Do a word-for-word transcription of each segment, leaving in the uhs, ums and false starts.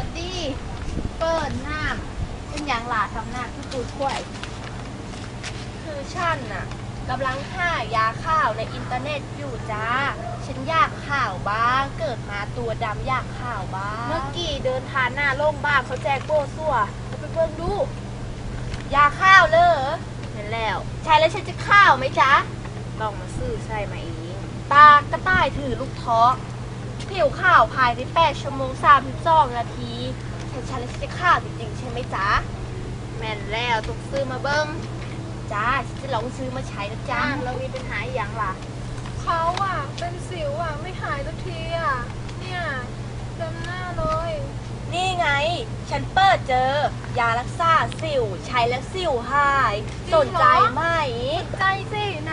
ดีเปิดน้ำเป็นอย่างหลาทำหน้าที่ตูดข่วยคือฉันน่ะกำลังหายาข่าวในอินเทอร์เน็ตอยู่จ้าฉันอยากข่าวบ้างเกิดมาตัวดำอยากข่าวบ้างเมื่อกี้เดินทานหน้าโล่งบ้านเขาแจกโบ้ซั่วเราไปเบิ่งดูยาข่าวเลยเห็นแล้วใช่แล้วฉันจะข่าวไหมจ๊ะต้องมาซื้อใช่ไหมเองตากระต่ายถือลูกท้อผิวข่าวภายในแปดชั่วโมงสามสิบสองนาทีฉันฉันแล้วฉันจะข่าวจริงๆใช่ไหมจ๊ะแม่นแล้วต้องซื้อมาเบิ่งจ้าฉันจะลองซื้อมาใช้นะจ๊ะจ้าเรามีปัญหาอหย่างล่ะเขาอ่ะเป็นสิวอ่ะไม่หายสักทีอ่ะเนี่ยเต็มหน้าเลยนี่ไง ฉันเปิดเจอยารักษาสิวใช้แล้วสิวหายสนใจไหมใจสิไหน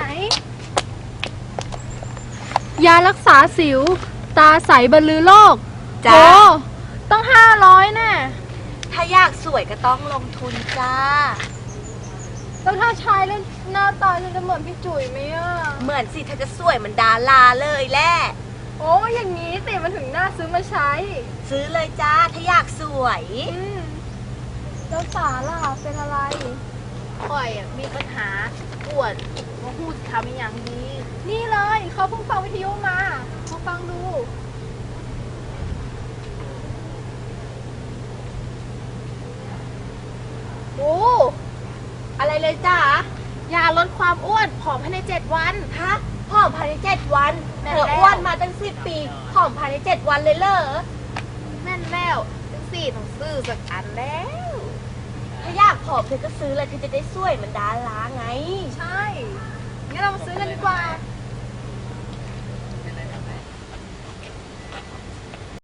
ยารักษาสิว ตาใสบรรลือโลกจ้าโหต้องห้าร้อยแน่ถ้าอยากสวยก็ต้องลงทุนจ้าแล้วถ้าใช้แล้วหน้าตาจะเหมือนพี่จุ๋ยไหมอ่ะเหมือนสิเธอจะสวยเหมือนดาราเลยแหละโอ้อย่างนี้สิมันถึงน่าซื้อมาใช้ซื้อเลยจ้าถ้าอยากสวยอืมแล้วสาล่ะเป็นอะไรข่อยอะมีปัญหาปวดมาพูดคำอหย่างดีนี่เลยเขาเพิ่งฟังวิทยุมามาฟังดูโอ้อะไรเลยจ้ายาลดความอ้วนผอมภายในเจ็ดวันฮะผอมภายในเจ็ดวันแม่เธนอแล้วอ้วนมาตั้งสิบปีผอมภายในเจ็ดวันเลยเหรอแม่นแล้วจังสี่ต้องซื้อสักอันแล้วถ้าอยากผอมเธอก็ซื้อเลยเธอจะได้สวยเหมือนดาราไงใช่งั้นเรามาซื้อกันดีกว่าไ